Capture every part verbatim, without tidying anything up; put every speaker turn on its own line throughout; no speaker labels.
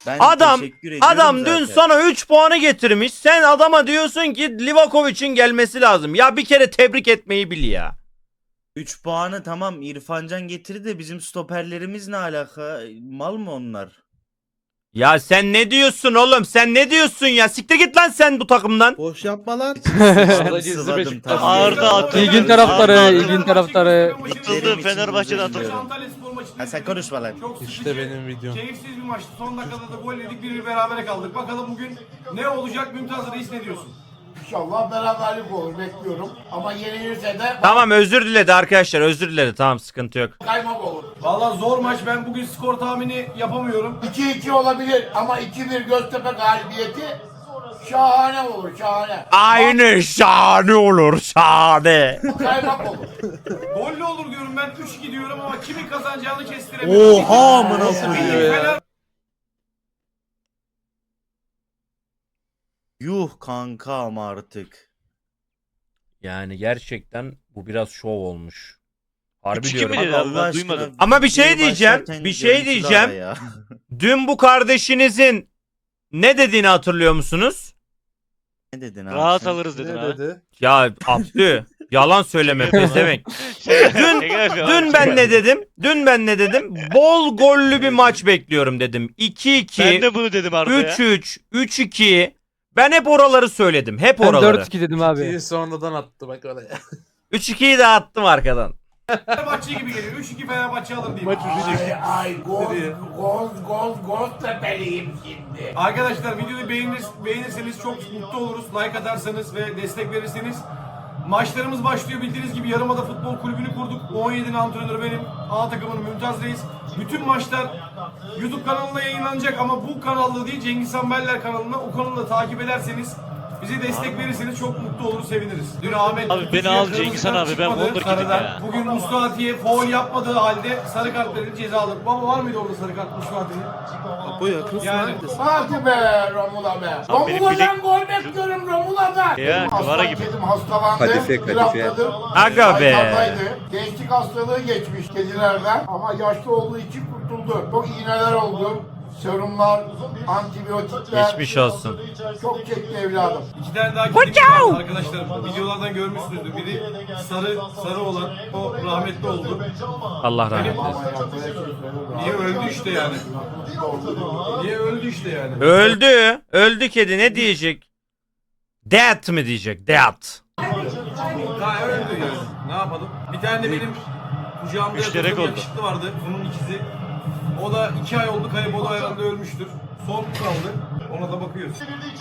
Ben
Adam
teşekkür ediyorum
adam dün
zaten.
sana üç puanı getirmiş. Sen adama diyorsun ki Livakovic'in gelmesi lazım. Ya bir kere tebrik etmeyi bil ya.
üç puanı tamam İrfancan getirdi de bizim stoperlerimiz ne alaka? Mal mı onlar?
Ya sen ne diyorsun oğlum? Sen ne diyorsun ya? Siktir git lan sen bu takımdan.
Boş yapma lan.
Sıçtım,
gizli
sıvadım,
Beşiktaş.
tamam.
Arda atıldı.
İlgin taraftarı,
Arda
ilgin
atıldı.
taraftarı.
Atıldı, Fenerbahçe'de atıldı.
Ha, sen konuşma lan.
Çok
İşte
sıkıcı,
benim videom.
keyifsiz bir maçtı. Son dakikada da gol yedik, bir bir berabere kaldık. Bakalım bugün ne olacak? Mümtaz Reis ne diyorsun?
İnşallah beraberlik olur bekliyorum. Ama yenilirse de
Tamam özür diledi arkadaşlar. Özür diledi. Tamam sıkıntı yok.
kaymak olur.
Vallahi zor maç. Ben bugün skor tahmini yapamıyorum.
iki iki olabilir ama iki bir Göztepe galibiyeti şahane olur şahane.
Aynı şahane olur şahane.
Kaymak olur.
Gollü olur diyorum ben. üç iki diyorum ama kimin kazanacağını kestiremiyorum.
Oha amına
Nasıl
koyayım.
bir Fener
Yuh kanka ama artık.
Yani gerçekten bu biraz şov olmuş. Harbi
üç iki
diyorum.
mi dedi abi?
Allah
Ben
aşkına,
duymadım.
Ama bir şey
videoyu
diyeceğim,
başlarken
bir şey
görüntülü
diyeceğim.
ara ya.
Dün bu kardeşinizin ne dediğini hatırlıyor musunuz?
Ne dedin abi
Rahat
sen?
alırız dedin
Ne
abi.
dedi?
Ya Abdü yalan söyleme pezevenk. Dün dün ben ne dedim? Dün ben ne dedim? Bol gollü bir maç bekliyorum dedim. iki
Ben
iki,
de bunu dedim Arda ya.
üç üç, üç iki. Ben hep oraları söyledim. Hep
Ben
oraları.
dört iki dedim abi.
İyi sonradan attı bak oraya.
üç ikiyi de attım arkadan.
Fenerbahçe gibi geliyor. üç iki Fenerbahçe alır diyeyim.
Maç
Ay ay gol gol gol gol tepeliyim şimdi.
Arkadaşlar videoyu beğenir, beğenirseniz çok mutlu oluruz. Like atarsanız ve destek verirseniz. Maçlarımız başlıyor. Bildiğiniz gibi Yarımada Futbol Kulübü'nü kurduk. on yedinin antrenörü benim. A takımının Mümtaz Reis. Bütün maçlar YouTube kanalına yayınlanacak ama bu kanalda değil Cengiz Han Beller kanalına. O kanalda takip ederseniz bize destek verirseniz çok mutlu oluruz, seviniriz. Dün Ahmet
Abi beni
Kutucu'ya
al
kırmızı
Cengiz Han
kart
abi, ben
çıkmadı
Wonder Kid'im
sarıdan.
ya.
Bugün Mustafa'ya faul yapmadığı halde sarı kart verildi, ceza alır. Baba var mıydı orada sarı kart Mustafa'ya?
Bu yakınsın
Yani
Hadi be Romula be.
Abi benim
Romula'dan
bilek-
gol bekliyorum Romula'dan.
Ya, Kıvara gibi.
Kedim hastalandı.
Kadife, kadife.
draftladım.
Aga be.
Haykaldaydı. Gençlik hastalığı geçmiş kedilerden ama yaşlı olduğu için kurtuldu. Çok iğneler oldu. Serumlar, antibiyotikler.
Geçmiş olsun.
Çok çekti evladım.
İki tane daha kedimiz var arkadaşlar. Videolardan görmüşsünüzdür. Biri sarı sarı olan o rahmetli oldu.
Allah rahmet eylesin.
Ama yaptığı şey söylüyorum.
Niye öldü işte yani? Niye öldü işte yani?
Öldü. Öldü kedi ne diyecek? Death mi diyecek? Death.
Ha öldü yani. Ne yapalım? Bir tane de benim kucağımda
Müşterek
yatan
oldu.
yakışıklı vardı. Bunun ikizi. O da iki ay oldu kayıp. O da herhalde ölmüştür. Son kaldı. Ona da bakıyoruz.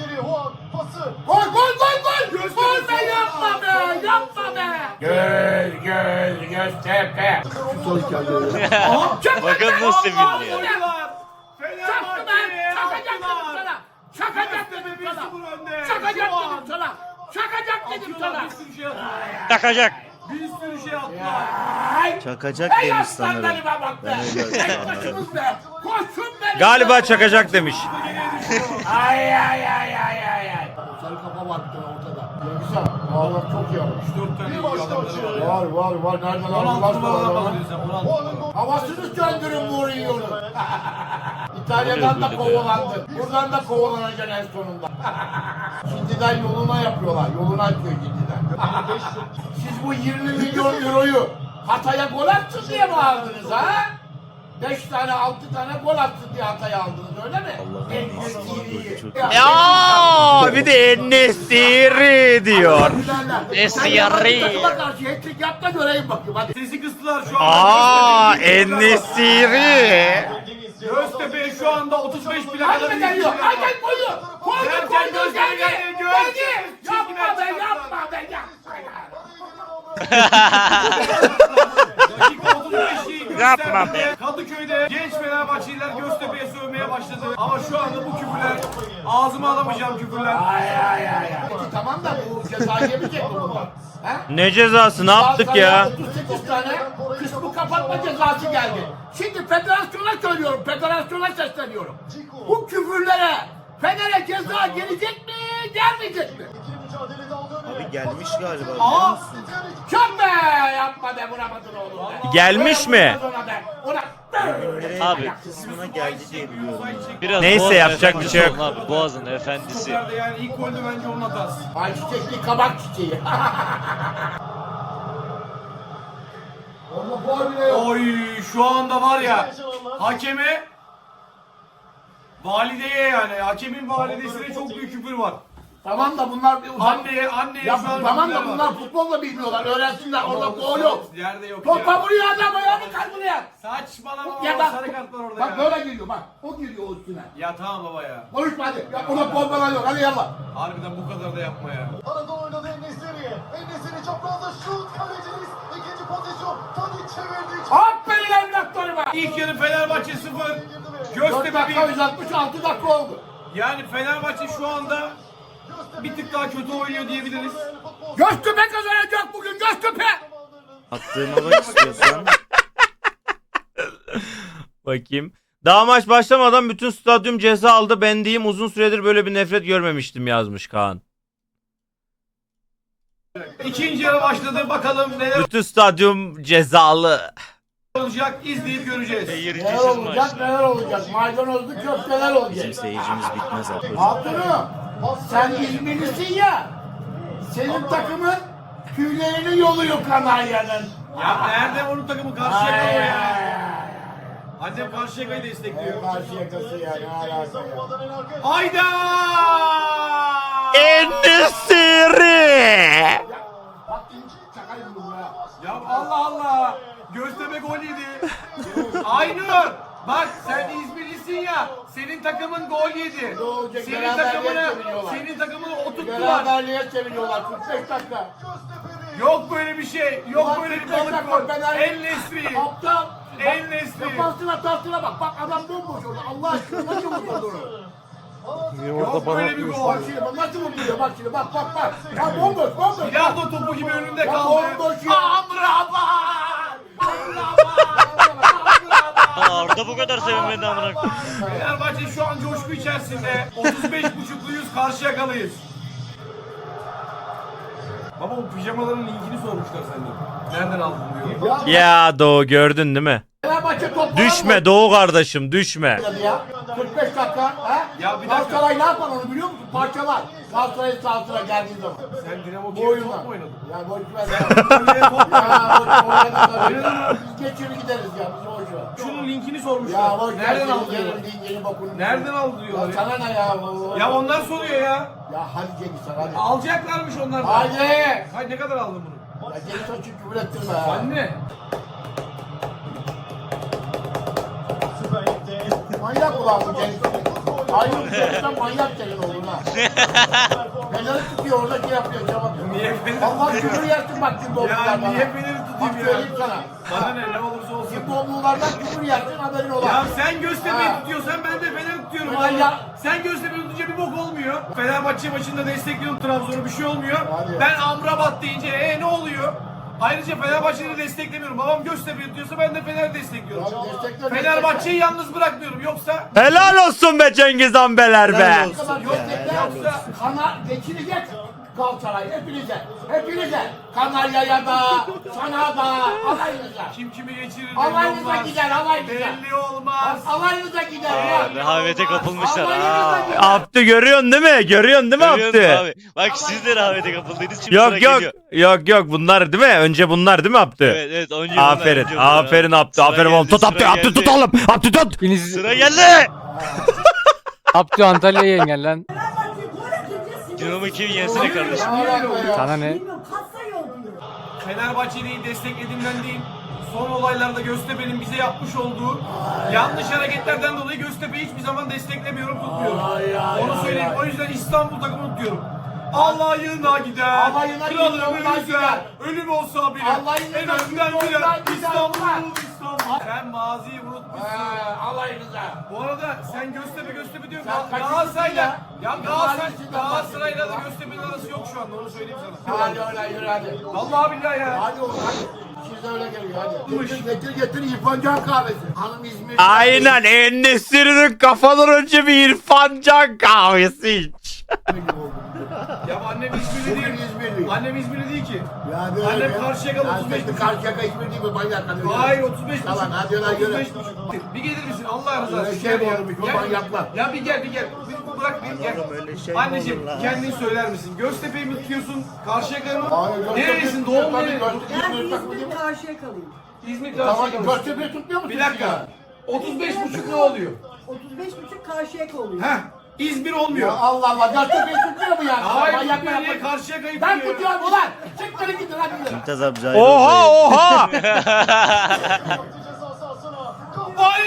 Gol gol gol gol! Gol be yapma be! Yapma be! Göz göz Göztepe!
Bakın nasıl sevindi ya.
Oyuncular! Fenerbahçe'ye
Çakacak dedim
attılar.
sana! Çakacak dedim
Göztepe bir
sana!
sıfır önde.
Çakacak
Şu an
dedim sana! Çakacak dedim
atıyorlar,
sana!
Bir sürü şey attılar.
Takacak.
Bir sürü şey attılar.
Ay!
Çakacak
Ey
demiş sanırım.
aslanlarıma bak be!
Ben öyle
Ey
anladım.
başımız be! Koşun benim!
Galiba çakacak demiş.
Ay ay ay ay ay ay! Sarı kafa baktı ortada. Güzel. Valla çok iyi olmuş.
üç dört tane iyi adamları var.
Var var var. Nereden
on altı
aldılar
numaradan
sonra?
bahsediyorsun sen. on altı numara.
Havasını söndürün Mourinho'nun. İtalya'dan da kovalandı. Buradan da kovalanacaksın en sonunda. Şimdiden yoluna yapıyorlar. Yoluna atıyor şimdiden. Siz bu yirmi milyon euroyu Hatay'a gol attın diye mi aldınız ha? beş tane altı tane gol attın diye Hatay'a aldınız öyle mi?
Allah'ım,
En
Allah'ım,
iyisi.
çok-
Ya bir de Enesiri diyor.
Esiyarri.
Takıma karşı hat-trick yap da göreyim bakayım hadi.
Sesi kıstılar şu anda.
Aa
Göztepe'ye
Enesiri.
Göztepe şu anda otuz beş
Hadi
plakada
be
bir
geliyor.
kişi
Hadi
var.
koydu. Koydu
Derken
koydu
Göztepe
geldi.
geldi, göz.
Geldi.
Çizgiden
Yapma be
çıkarttılar.
yapma be yapma ya.
Dakika otuz beşi
Yapma
Göztepe'de, Kadıköy'de genç Fenerbahçeliler Göztepe'ye sövmeye başladı. Ama şu anda bu küfürler, ağzıma alamayacağım küfürler.
Ay ay ay ay. Peki tamam da bu ceza yemeyecek mi bunlar? He?
Ne cezası ne yaptık ya?
otuz sekiz tane kısmı kapatma cezası geldi. Şimdi federasyona söylüyorum, federasyona sesleniyorum. Bu küfürlere Fener'e ceza gelecek mi, gelmeyecek mi?
Abi gelmiş galiba. biliyor
Aa!
musun?
Çok be! Yapma be, vuramadın oğlum be.
Gelmiş mi?
Ona be, ona.
Nereye
Abi.
kısmına geldi diye biliyorum.
Biraz
Neyse,
Boğaz'ın
yapacak bir
efendisi
şey yok.
olun Abi. Boğaz'ın efendisi.
Stoper'de yani ilk golde bence onun hatası.
Ay çiçekli kabak çiçeği. Orada gol bile yok.
Oy şu anda var ya hakeme valideye yani hakemin validesine çok büyük küfür var.
Tamam da bunlar bir uzak.
Anneye anneye
Ya
şu an
tamam da
küfürler
bunlar
var.
futbol da bilmiyorlar. Öğrensinler. Orada gol yok.
Yerde yok
Topa
ya.
vuruyor adam ayağını kal buraya.
Saçmalama
Ya
ya
bak,
sarı kart var orada
bak
ya.
böyle geliyor bak. O geliyor o üstüne.
Ya tamam baba ya.
Konuşma hadi. Ya ona gol falan yok. Hadi yallah.
Harbiden bu kadar da yapma ya.
Arada oynadı En-Nesyri. En-Nesyri çaprazda şut. Kaleciniz ikinci pozisyon. Tadic çevirdi.
Aferin evlatlarıma.
İlk yarı Fenerbahçe sıfır.
dört
Göztepe
dakika
bir.
uzatmış altı dakika oldu.
Yani Fenerbahçe şu anda bir tık daha kötü oynuyor diyebiliriz.
Göztepe kazanacak bugün Göztepe.
Attığıma bak istiyorsan.
Bakayım. Daha maç başlamadan bütün stadyum ceza aldı. Ben diyeyim uzun süredir böyle bir nefret görmemiştim yazmış Kaan.
İkinci yarı başladı. Bakalım neler
Bütün stadyum cezalı.
olacak izleyip göreceğiz.
Neler
Seyircisiz
olacak
maç.
neler olacak. Maydanozlu köfteler olacak.
Bizim seyircimiz bitmez abi.
Hatunum sen İzmirlisin ya. Senin takımın tüylerini yoluyor Kanarya'nın.
Ya nerede onun takımı Karşıyaka o ya. Annem Karşıyaka'yı destekliyor.
Karşı yakası ya ne alaka ya.
Hayda!
En-Nesyri.
Bak şaka yapıyorum ya.
Ya Allah Allah! Göztepe gol yedi. Aynur! Bak sen İzmirlisin ya. Senin takımın gol yedi.
Ne olacak?
Senin
Beraberliğe
takımını,
çeviriyorlar.
senin takımını oturttular.
Beraberliğe çeviriyorlar kırk beş dakika.
Yok böyle bir şey. Yok
Ulan
böyle bir
kırk beş
balık
dakika
gol.
Fener-
El-Nesri.
Aptal.
En-Nesyri.
Defansına tahsına bak. Bak adam bomboş orada. Allah aşkına nasıl vurdu onu?
Yok böyle bir gol.
Bak şimdi bak nasıl vurdu bak şimdi bak bak bak. Ya bomboş bomboş.
Bilardo topu gibi önünde
Ya
kaldı.
bomboş ya. Amrabat. Amrabat.
Arda bu kadar sevinmedi amına koyayım.
Fenerbahçe şu an coşku içerisinde. otuz beş buçukluyuz, Karşıyakalıyız. Baba bu pijamaların linkini sormuşlar senden. Nereden aldın diyor.
Ya
Ya Doğu gördün değil mi?
Fenerbahçe top
Düşme Doğu kardeşim düşme.
ya. kırk beş dakika. Ha?
Ya bir dakika.
Galatasaray ne yapar onu biliyor musun? Parçalar. Galatasaray'ın sahasına geldiği zaman.
Sen Dinamo
Bu
Kiev'de
oyunlar.
top mu oynadın?
Ya boş ver.
Sen top mu
Ya
oynadın?
boş oynadık. Biz geçiri gideriz ya. Biz boş ver.
Şunun linkini
Ya
sormuşlar.
boş ver.
Nereden
Senin
aldı diyorlar.
yerin değil, yeni bakın.
Nereden aldı
Ya
diyorlar ya.
sana ne ya?
Ya onlar soruyor ya.
Ya hadi Cengiz sen hadi.
Alacaklarmış onlar da.
Hadi.
Hayır ne kadar aldın bunu?
Ya Cengiz sen çünkü küfür ettirme ya.
Anne.
Manyak ulan bu Cengiz. Aynı bir şeyden manyak senin oğlun ha. Fener'i tutuyor orada şey yapıyor cevap.
Niye Fener'i
Allah küfür yersin bak kim
Ya
doğumlular bana.
niye Fener'i tutayım
Bak
ya?
söyleyeyim sana.
Bana ne ne olursa olsun.
Kim doğumlulardan küfür yersin haberin ola.
Ya sen Göztepe'yi
Ha.
tutuyorsan ben de Fener'i tutuyorum
Fener
abi.
ya-
Sen Göztepe'yi tutunca bir bok olmuyor. Fenerbahçe maçında destekliyorum Trabzon'u bir şey olmuyor.
Hadi.
Ben Amrabat deyince e ne oluyor? Ayrıca Fenerbahçe'yi desteklemiyorum. Babam Göztepe'yi tutuyorsa ben de Fener'i destekliyorum.
Ya destekle,
Fenerbahçe'yi yalnız bırakmıyorum. Yoksa
Helal olsun be Cengiz Ambeler be.
Helal
Ne
olsun
kadar
ya,
destekler
helal
yoksa
olsun.
kana geçirecek Galatasaray hepinize. Hepinize. Kanarya'ya da, sana da, alayınıza.
kim kimi geçirir belli
Alayınıza
olmaz.
gider, alayınıza.
Belli olmaz.
Alayınıza gider
Aa,
ya.
rehavete kapılmışlar.
Alayınıza
Aa.
gider.
Abdü görüyorsun değil mi? Görüyorsun değil mi
Görüyorsun
Abdü?
abi. Bak siz de rehavete kapıldınız. Şimdi sıra
Yok yok
geliyor.
yok yok bunlar değil mi? Önce bunlar değil mi Abdü?
Evet evet. Önce bunlar,
Aferin
önce bunlar.
aferin Abdü
Sıra
aferin oğlum
geldi,
tut Abdü
sıra
Abdü
geldi.
tut oğlum Abdü tut.
Sıra geldi.
Abdü Antalya'ya engel lan.
Dinamo Kiev yensene kardeşim.
Ne alaka ya?
Sana ne?
Fenerbahçe'yi desteklediğimden değil, son olaylarda Göztepe'nin bize yapmış olduğu yanlış hareketlerden dolayı Göztepe'yi hiçbir zaman desteklemiyorum, tutmuyorum.
Ay, ay,
Onu
ay,
söyleyeyim.
ay.
O yüzden İstanbul takımını tutuyorum. Allah'ına gider,
Allah'ına gider,
kralını
ondan
üzer,
gider.
ölüm olsa bile,
Allah'ına
en
gider,
önden
ondan
gider,
gider,
İstanbul,
ondan.
İstanbul. Sen maziyi unutmuşsun.
Ha, alayınıza.
Bu arada sen Göztepe Göztepe diyorsun.
Sen kaçıncısın
Galatasaray'la,
ya?
ya
Ne
Galatasaray,
mahallesinden
Galatasaray'la da
bahsediyorsun
Göztepe'nin arası yok şu anda, onu söyleyeyim sana.
Hadi öyle yürü hadi.
Vallahi billahi ya.
Hadi oğlum hadi. Size öyle geliyor hadi. Getir getir, getir İrfan Can kahvesi. Hanım İzmir.
Aynen En-Nesyri'nin kafadan önce bir İrfan Can kahvesi iç.
Ya annem İzmirli
Bugün
değil.
İzmirli.
Annem İzmirli değil ki.
Ya de
Annem
öyle.
Karşıyaka
Ya
otuz beş
işte
buçuk.
Karşıyaka İzmir değil mi? Manyak hadi.
Hayır otuz beş
Tamam,
buçuk.
hadi lan, yürü.
otuz beş buçuk. Bir gelir misin Allah rızası
Öyle
için?
şey mi
Gel ya.
olmuş, o
Gel.
manyaklar.
Ya bir gel bir gel. Bir bırak bir gel.
Oğlum öyle şey mi
Anneciğim
olur lan?
kendin söyler misin? Göztepe'yi mi tutuyorsun? Karşıyaka'yı mı?
Hayır, Göztepe-
Nerelisin? Doğum
Tabii,
nere?
Göztepe-
Ben
İzmir takımı değil
İzmir
mi?
karşıya kalayım.
İzmir
Tamam,
Karşıyaka.
Göztepe'yi tutmuyor musun?
Bir dakika. otuz beş buçuk ne oluyor?
otuz beş buçuk karşıya oluyor.
Heh. İzmir
Ya
olmuyor.
Allah Allah, Göztepe'yi tutmuyor mu yani?
Hayır
Manyak
İzmir niye
yapma.
Karşıyaka'yı
Ben
tutuyor?
tutuyorum ulan. Çık beni gidin hadi.
Mümtaz abi cahil
Oha
oldu.
oha.
Ceza sahasına.
Ay!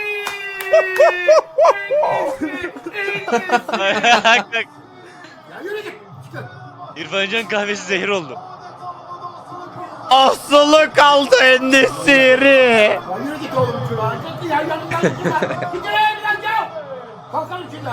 Ya yürü git. Çıkın.
İrfan Can kahvesi zehir oldu.
Asılı kaldı En-Nesyri.
Ya yürü git oğlum şuna. Git ya yanımdan git ya. Git ya yanımdan gel. Kalkalım şimdi.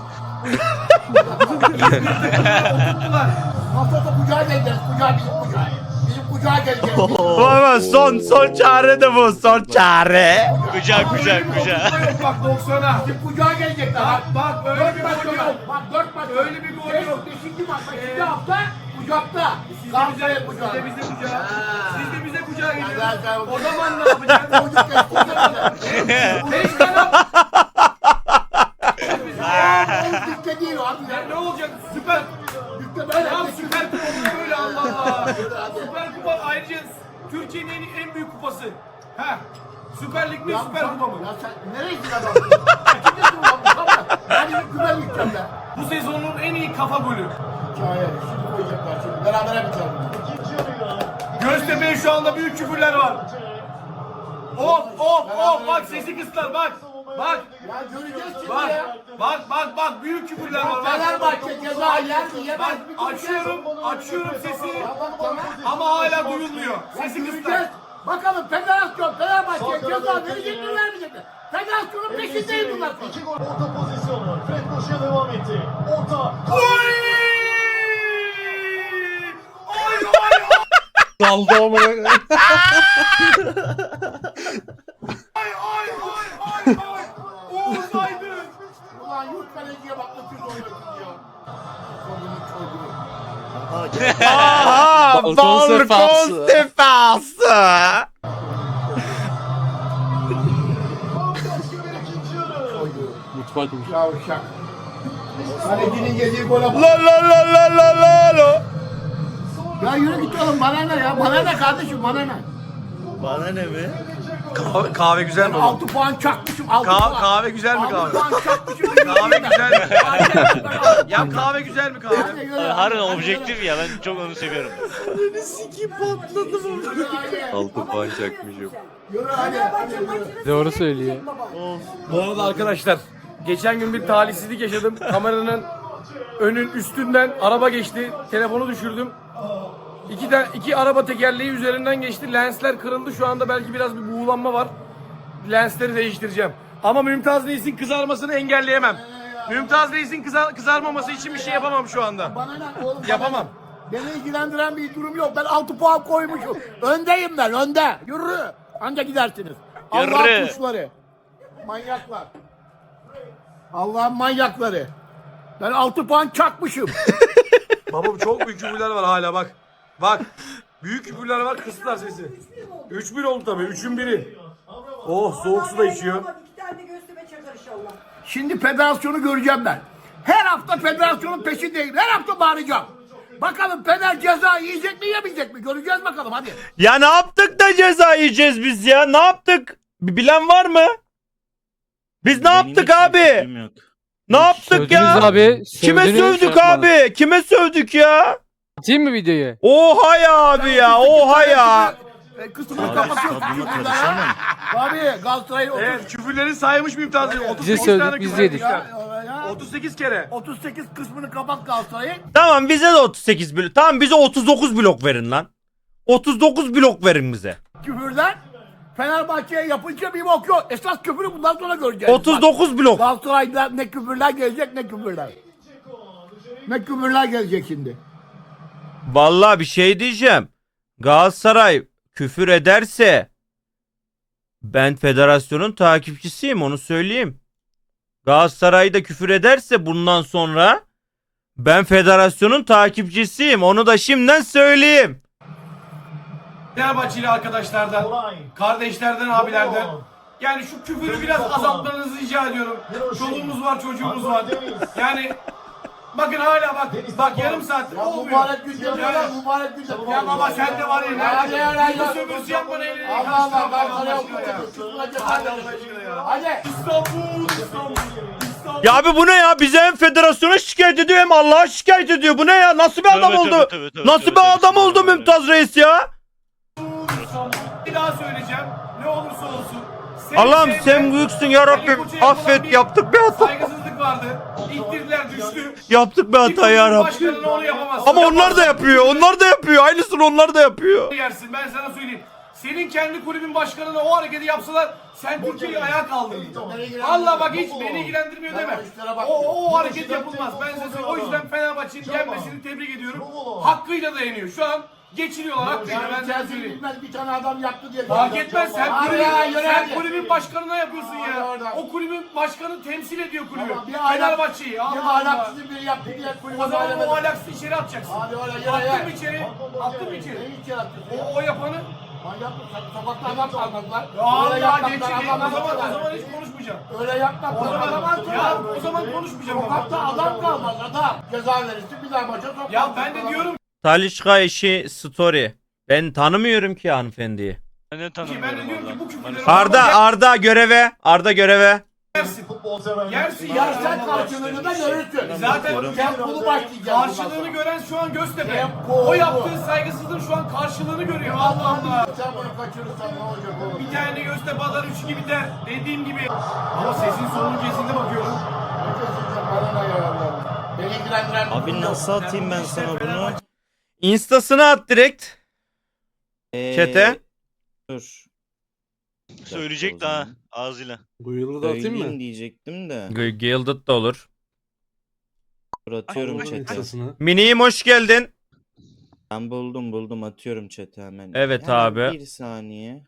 Tuttular.
Haftada kucağa geleceğiz. Kucağa bizim kucağa. Bizim kucağa geleceğiz.
Baba son son çare de bu son çare.
Kucak kucak kucak.
Dokuzda yok bak doksan'a.
Bizim kucağa gelecekler.
Bak bak öyle
Dört
bir
maç
gol
yok.
yok.
Bak dört maç
Öyle bir gol
Beş-
yok.
Beşinci maç. Beşinci hafta kucakta.
Siz de
Galatasaray
bize,
kucağı.
siz de bize kucağa.
Ha.
Siz de bize kucağa
Ya ben-
geliyorsunuz. O zaman ne yapacaksın?
Çocuk geçti.
Beş tane.
Dükte değil o abi.
Ya ne olacak? Süper.
Dükte böyle.
Tamam Süper Kupa olur böyle Allah Allah.
Yürü hadi.
Süper Kupa ayrıca Türkiye'nin en, en büyük kupası. Ha. Süper Lig mi
Ya
Süper
sen-
Kupa mı?
Ya sen nereye gidiyorsun adam? Kaçıncı kupa bu? Tamam. Ben bir güven gideceğim ben.
Bu sezonun en iyi kafa golü.
Hikaye. Şimdi koyacaklar şimdi. Berabere biter bunlar.
İkinci yarıyla.
Göztepe'ye şu anda büyük küfürler var. Of of of bak sesi kıstılar bak. Bak
Ya göreceğiz şimdi
bak
ya.
bak bak bak büyük küfürler var. Bak.
Fenerbahçe ceza yer mi yemez
Bak
mi? göreceğiz.
açıyorum açıyorum sesi
Ya bak tamam.
ama hala duyulmuyor.
Ya
Sesi
göreceğiz.
kıstılar.
Bakalım federasyon Fenerbahçe'ye ceza verecek mi vermeyecek mi? Federasyonun peşindeyiz bunlar.
İki gol orta pozisyonu. Fred koşuya devam etti. Orta.
Oy! Oy oy oy!
Daldı ama.
Ay ay ay ay ay! Oğuz Aydın!
Ulan yurt kaleciye bak öküz oluyorsun ya. Kolunu çocuğu.
Aha, gel.
Aha
Balkon
balkon
sefası.
sefası.
Bambaşka bir ikinci yarı.
Koydu.
Mutfakmış.
Yavşak. Kalecinin yediği gole bak.
La la la la la la la.
Ya yürü git oğlum bana ne ya? Bana ne kardeşim bana ne?
Bana ne mi?
Kahve, kahve güzel mi?
altı puan çakmışım altı
Kahve,
puan.
kahve güzel mi
altı
kahve?
puan çakmışım.
Kahve güzel mi?
mi?
Ya kahve güzel mi kahve?
Harbiden objektif ya ben çok onu seviyorum.
Altı puan çakmışım. Yürü hadi. hadi yürü.
Doğru söylüyor.
Bu arada arkadaşlar geçen gün bir talihsizlik yaşadım. Kameranın önün üstünden araba geçti. Telefonu düşürdüm. İki, tane, iki araba tekerleği üzerinden geçti. Lensler kırıldı. Şu anda belki biraz bir buğulanma var. Lensleri değiştireceğim. Ama Mümtaz Reis'in kızarmasını engelleyemem. Mümtaz Reis'in kızar, kızarmaması için bir şey yapamam şu anda.
Bana ne oğlum? bana
Yapamam.
ne? Beni ilgilendiren bir durum yok. Ben altı puan koymuşum. Öndeyim ben önde. Yürü. Anca gidersiniz.
Yürü.
Allah'ın kuşları. Manyaklar. Allah'ın manyakları. Ben altı puan çakmışım.
Baba çok büyük küfürler var hala bak. Bak. Büyük küfürler var kıstılar sesi. üç bir oldu tabii. üçün biri. Oh soğuk su da içiyor.
İki tane de Göztepe çakar inşallah.
Şimdi federasyonu göreceğim ben. Her hafta federasyonun peşindeyim. Her hafta bağıracağım. Bakalım Fener ceza yiyecek mi yemeyecek mi? Göreceğiz bakalım hadi.
Ya ne yaptık da ceza yiyeceğiz biz ya? Ne yaptık? Bir bilen var mı? Biz ne
Benim
yaptık
hiç
abi?
fikrim yok.
Ne yaptık
Sövdünüz
ya?
abi.
Kime
sövdünüz,
sövdük
şey yapmadınız.
abi? Kime sövdük ya?
Atayım mı videoyu?
Oha ya abi ya. Oha ya.
E, Kısmını
Abi
kapatıyorsun.
stadyuma
küfürler,
karışamam.
ha? Abi Galatasaray'ın otuz
Evet küfürleri saymış Mümtaz Reis. otuz
Bize
sekiz
sövdük,
tane
biz
küfür
yedik.
etmişler.
ya, ya.
otuz sekiz kere.
otuz sekiz kısmını kapat Galatasaray'ın.
Tamam bize de otuz sekiz blok. Tamam bize otuz dokuz blok verin lan. otuz dokuz blok verin bize.
Küfürler Fenerbahçe'ye yapınca bir bok yok. Esas küfürü bundan sonra göreceğiz.
otuz
Bak,
dokuz blok.
Galatasaray'da ne küfürler gelecek ne küfürler. Ne küfürler gelecek şimdi.
Vallahi bir şey diyeceğim. Galatasaray küfür ederse ben federasyonun takipçisiyim, onu söyleyeyim. Galatasaray'da küfür ederse bundan sonra ben federasyonun takipçisiyim, onu da şimdiden söyleyeyim.
Fenerbahçeli arkadaşlardan, kardeşlerden, abilerden. Yani şu küfürü biraz azaltmanızı rica ediyorum. Çoluğumuz var, çocuğumuz var. Yani bakın hala bak, bak yarım saat
Ya
olmuyor.
mübarek gün yapıyor lan, mübarek gün yapıyor.
Ya baba sen de var ya.
Ya, ya, ya, ya.
Bu sömürüsü yapma elini.
Allah Allah, ben sana okuyacağım.
Hadi Allah aşkına ya.
Hadi.
İstanbul, İstanbul, İstanbul.
Ya abi bu ne ya? Bize hem federasyona şikayet ediyor hem Allah'a şikayet ediyor. Bu ne ya? Nasıl bir adam
Tövbe,
oldu?
tövbe, tövbe, tövbe,
Nasıl
tövbe,
bir
tövbe,
adam
tövbe,
oldu
tövbe.
Mümtaz Reis ya?
Bir daha söyleyeceğim. Ne olursa olsun. Seni
Allah'ım
sevmek,
sen büyüksün ya Rabbim.
Ali Koç'a yapılan
Affet, yaptık bir hata.
Saygısızlık vardı. İttirdiler, düştü.
Yaptık bir hata ya Rabbim.
Başkanına onu yapamazsın.
Ama onlar da yapıyor. Onlar da yapıyor. Aynısını onlar da yapıyor.
Yersin, ben sana söyleyeyim. Senin kendi kulübün başkanına o hareketi yapsalar sen Türkiye'yi ayağa kaldırırdın. Allah bak hiç beni ilgilendirmiyor deme. O, o hareket yapılmaz. Ben size söyleyeyim. O yüzden Fenerbahçe'nin gelmesini tebrik ediyorum. Hakkıyla da yeniyor. Şu an geçiriyorlar hakkıyla. Ben sana
Chelsea
söyleyeyim.
bilmez bir tane adam yaptı diye.
Fark etmez sen
Hadi
kulübün,
ya, yürü
sen
hadi.
kulübün başkanına yapıyorsun
Hadi
ya.
oradan.
O kulübün başkanı temsil ediyor kulübü.
Tamam, bir ahlak-
Fenerbahçe'yi.
Bir
Allah Allah.
ahlaksızı biri yaptı diye kulübe
O zaman
böyle
o ahlaksızı içeri atacaksın.
Hadi oraya yürü
Attın
ya.
mı içeri? Attın mı içeri?
Neyi içeri atıyorsun?
O, o yapanı.
Manyak mısın? Sokakta adam kalmadılar.
Ya
Öyle
ya geç,
yapmaktan
geç,
adam
o zaman, o
almadılar.
zaman hiç konuşmayacağım.
Öyle yapmaktan
O zaman,
adam almadılar.
ya o zaman konuşmayacağım.
Sokakta
ama.
adam kalmaz adam. Ceza verirsin bir daha maça sokmaz.
Ya ben de diyorum
Talişka eşi story. Ben tanımıyorum ki hanımefendiyi.
Ben de
ki ben de
tanımıyorum
diyorum ki bu
valla.
küfürleri
Arda Arda göreve. Arda göreve.
yersin. Yersin
Yersen karşılığını da görürsün.
Zaten
Tempolu başlayacağız.
karşılığını gören şu an Göztepe.
Tempo.
O yaptığı saygısızlığın şu an karşılığını görüyor. Allah Allah.
Sen bunu kaçırırsan ne olacak oğlum?
Bir tane Göztepe atar üç gibi biter. Dediğim gibi. Ama sesin sonunun kesinde bakıyorum.
Bana ne ya? Beni ilgilendiren
Abi nasıl atayım ben sana bunu?
Instasını at direkt.
Ee,
Chat'e.
Dur.
Söyleyecek de ha ağzıyla.
Bu yılı da atayım
Söyleyeyim
mı?
diyecektim de.
G- Gilded da olur.
Dur atıyorum
Bunun
chat'e.
instasını.
Mini'yim hoş geldin.
Ben buldum buldum atıyorum chat'e hemen.
Evet
Hemen
abi.
Bir saniye.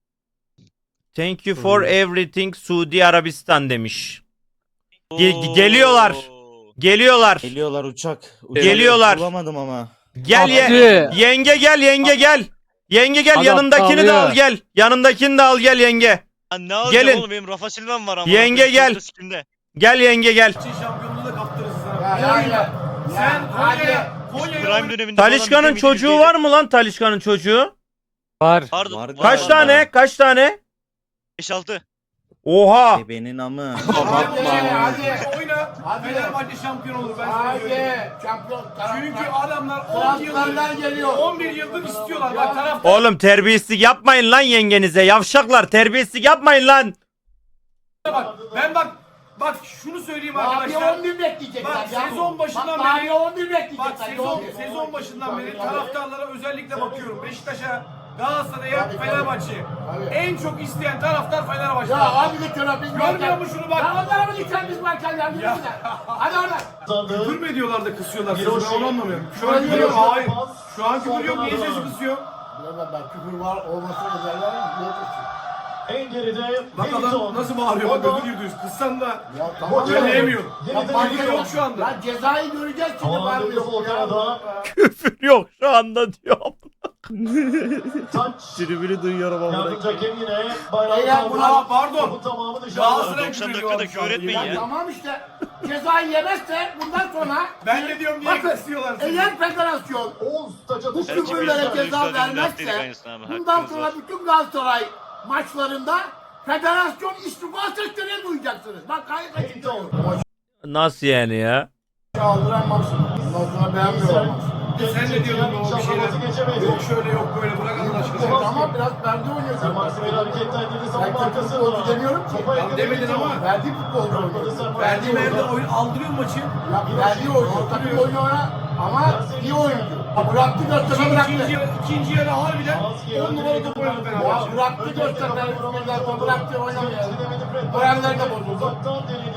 Thank you for everything Suudi Arabistan demiş. Ge- geliyorlar. Geliyorlar.
Geliyorlar uçak. uçak
Geliyorlar.
Bulamadım ama.
Gel ye-
Abdü.
yenge gel yenge gel. Yenge gel
Adam
yanındakini de al
ağlıyor.
gel. Yanındakini de al gel yenge.
Ha, ne alacağım
Gelin.
oğlum benim Rafa Silva'm var ama.
Yenge gel. Gel yenge gel.
Çin şampiyonluğu da kaptırırız sana.
Ya, ya,
Konya'ya.
ya.
Sen
Ya,
Konya'ya. Konya'ya.
Prime döneminde
Talişka'nın
falan
çocuğu
bilemediğimiz
var mı lan Talişka'nın çocuğu?
Var.
Pardon.
Var
Kaç
Var,
tane?
var.
Kaç tane?
beş altı.
Oha.
Ebenin amı.
Hadi hadi.
Oyna.
Hadi.
Fenerbahçe şampiyon olur ben sana söyleyeyim.
Hadi. Şampiyon.
Çünkü adamlar on yıldır
Transferler geliyor.
on bir yıldır istiyorlar. Bak taraftar.
Oğlum terbiyesizlik yapmayın lan yengenize. Yavşaklar terbiyesizlik yapmayın lan.
Bak ben bak bak şunu söyleyeyim
Daha bir
arkadaşlar.
on bir bekleyecekler
Bak,
ya.
sezon başından
Bak, daha
beri-
bir on bir
Bak
bekleyecekler.
sezon
on bir.
sezon başından beri taraftarlara özellikle bakıyorum. Beşiktaş'a, Galatasaray'a,
Tabii, tabii.
Fenerbahçe'ye.
Tabii.
En çok isteyen taraftar Fenerbahçe.
Ya abi git şuna biz
Görmüyor musun şunu bak?
Ya onlara mı gideceğim biz varken ya? Yürü
Ya.
bize. Hadi oradan.
Küfür mü ediyorlar da kısıyorlar sesi?
Hiroşi.
Ben onu anlamıyorum. Şu
Hiroşi.
an küfür yok. Hayır. Şu an küfür yok. Niye sesi kısıyor?
Bilemem ben küfür var olmasını özellikle yoktur.
En geride
Bak adam nasıl bağırıyor bak ödül yürüdüğüz. Kıssan da
Ya tamam.
söyleyemiyor.
Ya
Yeniden
fark
Küfür
yok.
yok şu anda.
Ya cezayı göreceğiz şimdi
Aman
var
Demir Volkan'a
Küfür yok şu anda diyorum.
taç.
Tribünü duyuyorum ama.
Yardımcı hakem yine bayrağı
Beyler,
kaldırdı.
bravo, pardon.
Topun tamamı dışarıda.
Galatasaray
doksan
küfür
dakikada
ediyorlar şu anda.
küfür etmeyin
Ya
ya.
tamam işte. Cezayı yemezse bundan sonra
Ben de diyorum niye
bakın
kısıyorlar seni?
eğer federasyon
Oğuz taça
bu
düştü.
Belki
küfürlere
biz de
ceza
üstadın
vermezse
lastik aynısını abi,
bundan
hakkınız
sonra
var.
bütün Galatasaray maçlarında federasyon istifa seslerini duyacaksınız. Bak gayet açık söylüyorum.
Nasıl yani ya?
Çaldıran maksimum. Bundan sonra beğenmiyorum maksimum.
Sen de diyordun o bir şeyler.
geçemedi.
Yok şöyle yok böyle bırak Allah aşkına.
Tamam biraz verdi oynuyorsun.
Maksimum hareketten dedi
Ben
savunma
kötü
arkasında.
futbolcu demiyorum ki.
Topa yakın
demedin
bir
ama.
top.
Verdi futbolcu oynuyor.
Verdiğim yerde oyun aldırıyor maçı.
Ya verdi oynuyor. Takım oyunu oyna ama iyi oyuncu. Ya bıraktı Göztepe
İkinci,
bıraktı.
ikinci, yarı, ikinci yarı harbiden on numara top oynadı
Ya
Fenerbahçe.
bıraktı Göztepe. Üstünden bıraktı oynamıyor.
Çizemedi Fred.
Moraller de bozuldu.
Uzaktan denedi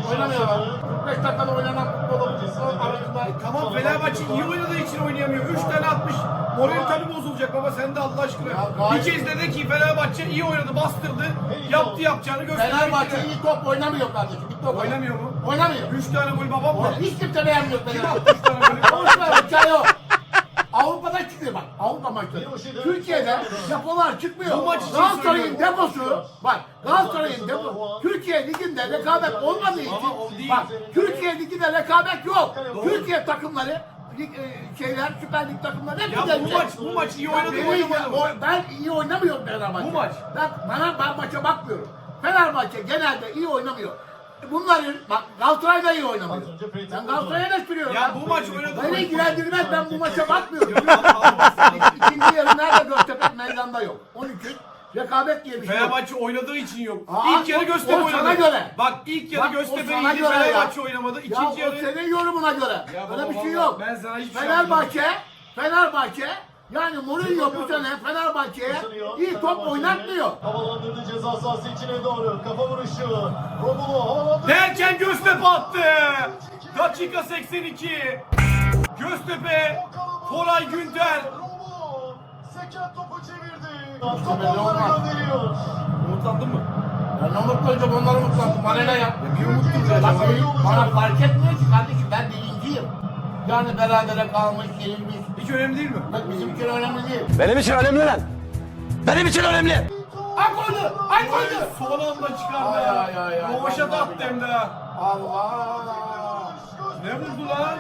Oynamıyorlar. kırk beş dakikada oynanan futbol arasında.
Tamam Fenerbahçe iyi oynadığı için oynayamıyor. üç tane atmış. Moral tabii bozulacak baba sen de Allah aşkına.
Ya gayet-
Bir kez dedi ki Fenerbahçe iyi oynadı, bastırdı. Yaptı yapacağını gösterdi.
Fenerbahçe iyi top oynamıyor kardeşim. Bir top
Oynamıyor mu?
Oynamıyor.
üç tane gol babam var.
Hiç kimse beğenmiyor Fenerbahçe.
üç tane gol.
Konuşma hikaye o. Avrupa'da çıkıyor bak. Avrupa maçları. Türkiye'de depolar çıkmıyor.
Bu maç için
Galatasaray'ın
söylüyorum.
deposu bak Galatasaray'ın deposu Türkiye Ligi'nde rekabet olmadığı için
Ama o değil.
bak Türkiye Ligi'nde rekabet yok. Türkiye takımları lig, e, şeyler Süper Lig takımları hep
Ya bu
gelecek.
maç bu maç iyi oynadı
Benim-
oynamadı mı?
o- Ben iyi oynamıyorum Fenerbahçe.
Bu maç.
Ben, bana, ben maça bakmıyorum. Fenerbahçe genelde iyi oynamıyor. Bunların bak Galatasaray da iyi oynamıyor. Ben Galatasaray'a da sürüyorum.
Ya bu maç oynadı.
Beni ilgilendirmez, ben bu maça bakmıyorum.
Yok, Allah Allah.
İkinci yarı nerede Göztepe meydanda yok. Onun için rekabet diye bir şey yok.
Fenerbahçe oynadığı için yok.
Aa,
ilk yarı
o-
Göztepe
o
oynadı.
sana göre.
Bak ilk yarı
Bak, o
Göztepe
sana
iyiydi,
göre ya.
Fenerbahçe oynamadı.
Ya
İkinci
o
yarı
senin yorumuna göre.
Ya
Öyle
baba,
bir şey
baba,
yok.
ben sana hiçbir şey
Fenerbahçe, Fenerbahçe yani Mourinho bu sene Fenerbahçe'ye iyi top oynatmıyor.
Havalandırdı ceza sahası içine doğru. Kafa vuruşu. Romulo havalandırdı.
derken Göztepe attı. Dakika seksen iki. Göztepe, Koray Günter.
Romulo. Seken topu çevirdi.
Göztepe
Topu
ne
onlara
olmaz.
gönderiyor.
Umutlandın mı?
Ben ne umutlanacağım onları umutlandım. Bana ne yap?
Bir umut
Bak benim, bana fark etmiyor ki kardeşim ben birinciyim. Yani berabere kalmış, yenilmiş.
Hiç önemli değil mi?
Bak bizim için önemli değil.
Benim için önemli lan. Benim için önemli.
Ay koydu! Ay koydu!
Son anda çıkardı
Ay,
ya.
ay, ay, ay.
Rovaşa da attı hem de ha.
Allah!
Ne vurdu lan?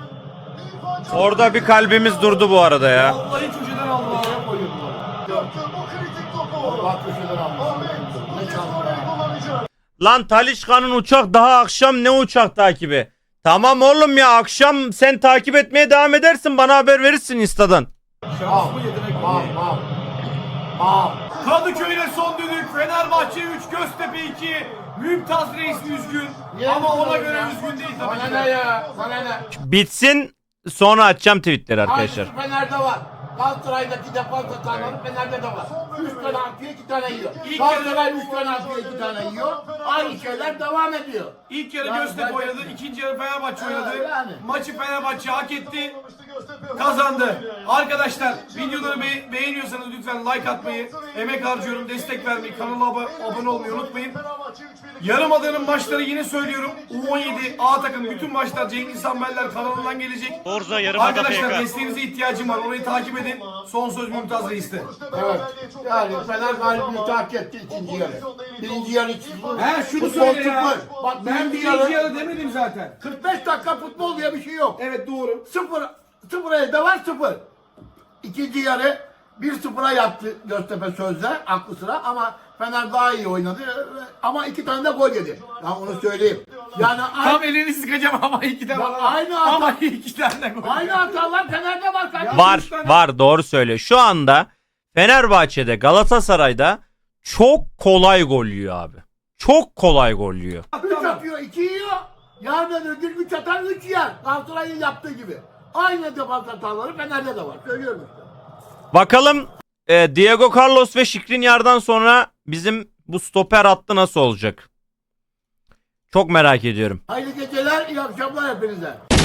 Orada bir kalbimiz durdu bu arada ya.
Vallahi köşeden aldı lan.
Ne koyuyor bu?
Gördü bu kritik topu.
Allah köşeden almış.
Ahmet bu
Ne
kez
çaldı
korneyi
ya?
kullanacak.
Lan Talişka'nın uçak daha akşam ne uçak takibi? Tamam oğlum ya akşam sen takip etmeye devam edersin bana haber verirsin Insta'dan.
Şans mı yetenek
Al,
mi?
al. Al.
Kadıköy'de son düdük. Fenerbahçe üç, Göztepe iki. Mümtaz Reis üzgün.
Niye
Ama ona
üzgün
göre
ya?
üzgün değil tabii
Bana
ki.
ne ya? Bana ne?
Bitsin sonra açacağım tweetleri arkadaşlar.
Aynısı Fener'de var. Galatasaray'daki defans hataları Fener'de de var. Üç tane atıyor, iki tane yiyor.
İlk
Galatasaray üç tane atıyor, iki tane yiyor. Aynı şeyler devam ediyor.
İlk yarı
Yani
Göztepe
ben-
oynadı, ikinci yarı Fenerbahçe
Evet,
oynadı.
yani.
Maçı Fenerbahçe hak etti,
Göztepe
kazandı. Arkadaşlar videoları be- beğeniyorsanız lütfen like atmayı, emek harcıyorum, destek vermeyi, kanala ab- abone olmayı unutmayın. Yarımada'nın maçları yine söylüyorum. U on yedi A takım bütün maçlar Cengiz Sambeller kanalından gelecek.
Forza Yarımada
Arkadaşlar
F K.
desteğinize ihtiyacım var. Orayı takip edin. Son söz Mümtaz Reis'te.
Evet. Yani Fener galibiyeti hak etti ikinci yarı. Birinci yarı sıfır.
He şunu
Futbol
söyle ya.
sıfır. Bak
Ben
birinci
birinci
yarı
yarı demedim zaten.
kırk beş dakika futbol diye bir şey yok.
Evet doğru.
Sıfır, sıfır elde var sıfır. İkinci yarı bir sıfıra yaptı Göztepe sözde aklı sıra ama Fener daha iyi oynadı ama iki tane de gol yedi. Ya onu söyleyeyim. Yani
Tam
aynı,
elini sıkacağım ama iki tane
Ya
var.
aynı hata-
Ama iki tane gol.
aynı hatalar Fener'de var kardeşim.
Var var doğru söylüyor. Şu anda Fenerbahçe'de Galatasaray'da çok kolay gol yiyor abi. Çok kolay gol yiyor.
üç atıyor, iki yiyor. Yarın öbür gün üç atar, üç yer. Galatasaray'ın yaptığı gibi. Aynı defans hataları Fener'de de var. Söylüyorum işte.
Bakalım e, Diego Carlos ve Skriniar'dan sonra bizim bu stoper hattı nasıl olacak? Çok merak ediyorum.
Hayırlı geceler, iyi akşamlar hepinize.